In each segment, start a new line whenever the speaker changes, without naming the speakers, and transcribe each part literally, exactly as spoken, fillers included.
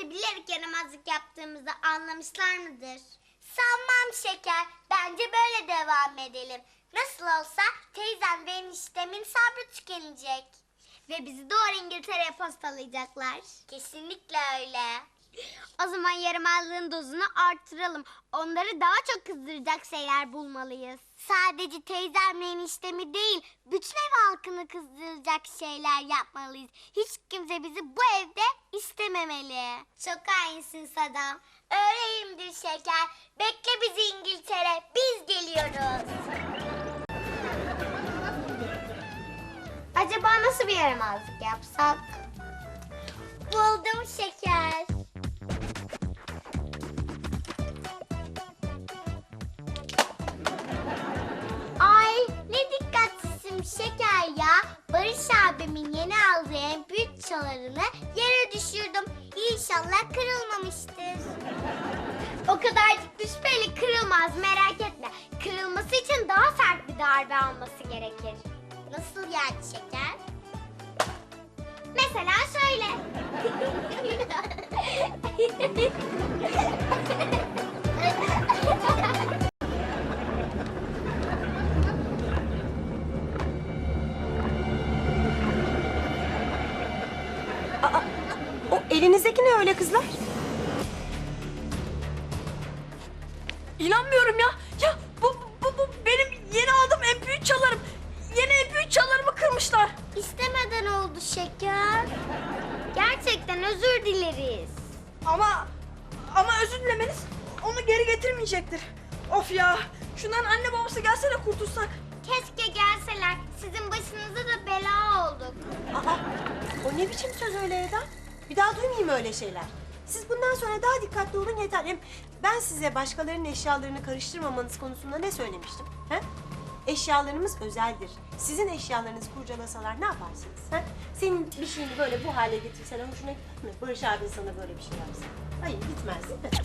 Yani bilerek yaramazlık yaptığımızı anlamışlar mıdır? Sanmam şeker. Bence böyle devam edelim. Nasıl olsa teyzem ve eniştemin sabrı tükenecek. Ve bizi doğru İngiltere'ye postalayacaklar. Kesinlikle öyle. O zaman yaramazlığın dozunu arttıralım. Onları daha çok kızdıracak şeyler bulmalıyız. Sadece teyzemle eniştemi değil, bütün ev halkını kızdıracak şeyler yapmalıyız. Hiç kimse bizi bu evde istememeli. Çok hainsin Sadam. Öyleyimdir şeker. Bekle bizi İngiltere. Biz geliyoruz. Acaba nasıl bir yaramazlık yapsak? Buldum şeker. Ay ne dikkatsizim şeker ya. Barış abimin yeni aldığı en büyük çalarını yere düşürdüm. İnşallah kırılmamıştır. O kadarcık düşmeyle kırılmaz, merak etme. Kırılması için daha sert bir darbe alması gerekir. Nasıl yani şeker? Mesela şöyle.
Aa, o elinizdeki ne öyle kızlar?
İnanmıyorum ya. Ya bu, bu, bu benim yeni aldığım en büyük çalarım. Yeni en büyük çalarımı kırmışlar.
İstemeden oldu şeker. Gerçekten özür dileriz.
Ama ama özür dilemeniz onu geri getirmeyecektir. Of ya. Şundan anne babası gelse de kurtulsak.
Keşke gelseler. Sizin başınıza da bela olduk.
Aa, o ne biçim söz öyle Eda? Bir daha duymayayım öyle şeyler. Siz bundan sonra daha dikkatli olun yeter. Hem ben size başkalarının eşyalarını karıştırmamanız konusunda ne söylemiştim? He? Eşyalarımız özeldir. Sizin eşyalarınızı kurcalasalar ne yaparsınız? He? Senin bir şeyini böyle bu hale getirseler hoşuna gider mi? Barış abin sana böyle bir şey yapsa. Hayır gitmez değil mi?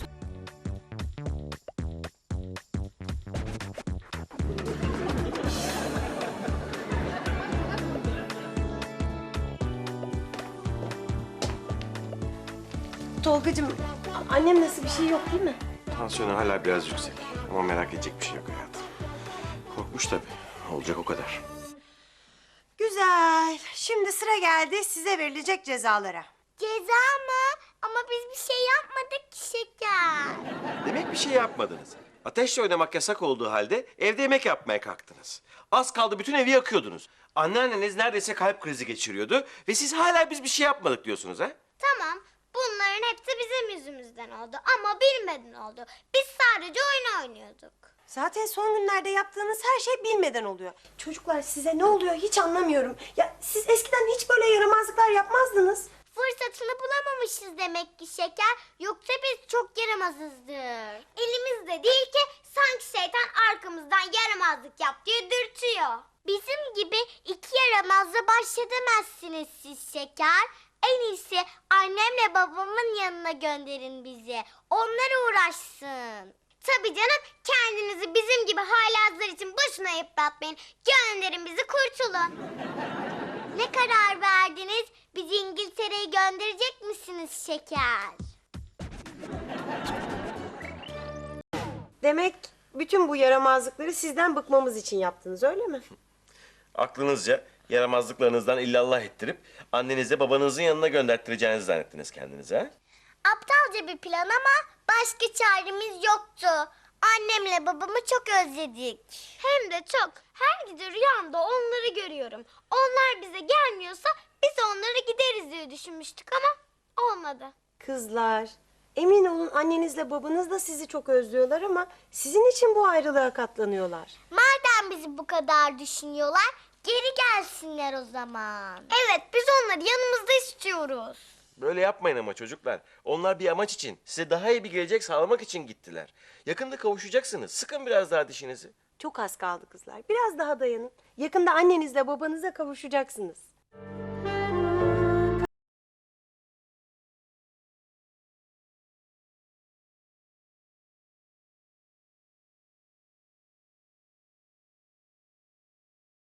Tolgacığım, annem nasıl, bir şey yok değil mi?
Tansiyonu hala biraz yüksek ama merak edecek bir şey yok hayatım. Korkmuş tabii. Olacak o kadar.
Güzel. Şimdi sıra geldi size verilecek cezalara.
Ceza mı? Ama biz bir şey yapmadık ki şeker.
Demek bir şey yapmadınız. Ateşle oynamak yasak olduğu halde evde yemek yapmaya kalktınız. Az kaldı bütün evi yakıyordunuz. Anneanneniz neredeyse kalp krizi geçiriyordu ve siz hala biz bir şey yapmadık diyorsunuz ha?
Tamam. Bunların hepsi bizim yüzümüzden oldu ama bilmeden oldu. Biz sadece oyun oynuyorduk.
Zaten son günlerde yaptığınız her şey bilmeden oluyor. Çocuklar size ne oluyor hiç anlamıyorum. Ya siz eskiden hiç böyle yaramazlıklar yapmazdınız.
Fırsatını bulamamışız demek ki şeker. Yoksa biz çok yaramazızdır. Elimizde değil ki sanki şeytan arkamızdan yaramazlık yap diye dürtüyor. Bizim gibi iki yaramazla baş edemezsiniz siz şeker. En iyisi annemle babamın yanına gönderin bizi. Onlar uğraşsın. Tabii canım, kendinizi bizim gibi haylazlar için boşuna yıpratmayın. Gönderin bizi, kurtulun. Ne karar verdiniz? Bizi İngiltere'ye gönderecek misiniz şeker?
Demek bütün bu yaramazlıkları sizden bıkmamız için yaptınız öyle mi?
Aklınızca yaramazlıklarınızdan illallah ettirip annenize babanızın yanına gönderttireceğinizi zannettiniz kendinize ha?
Aptalca bir plan ama başka çaremiz yoktu. Annemle babamı çok özledik. Hem de çok. Her gece rüyamda onları görüyorum. Onlar bize gelmiyorsa biz onlara gideriz diye düşünmüştük ama olmadı.
Kızlar, emin olun annenizle babanız da sizi çok özlüyorlar ama sizin için bu ayrılığa katlanıyorlar.
Madem bizi bu kadar düşünüyorlar, geri gelsinler o zaman. Evet, biz onları yanımızda istiyoruz.
Böyle yapmayın ama çocuklar. Onlar bir amaç için, size daha iyi bir gelecek sağlamak için gittiler. Yakında kavuşacaksınız. Sıkın biraz daha dişinizi.
Çok az kaldı kızlar. Biraz daha dayanın. Yakında annenizle babanıza kavuşacaksınız.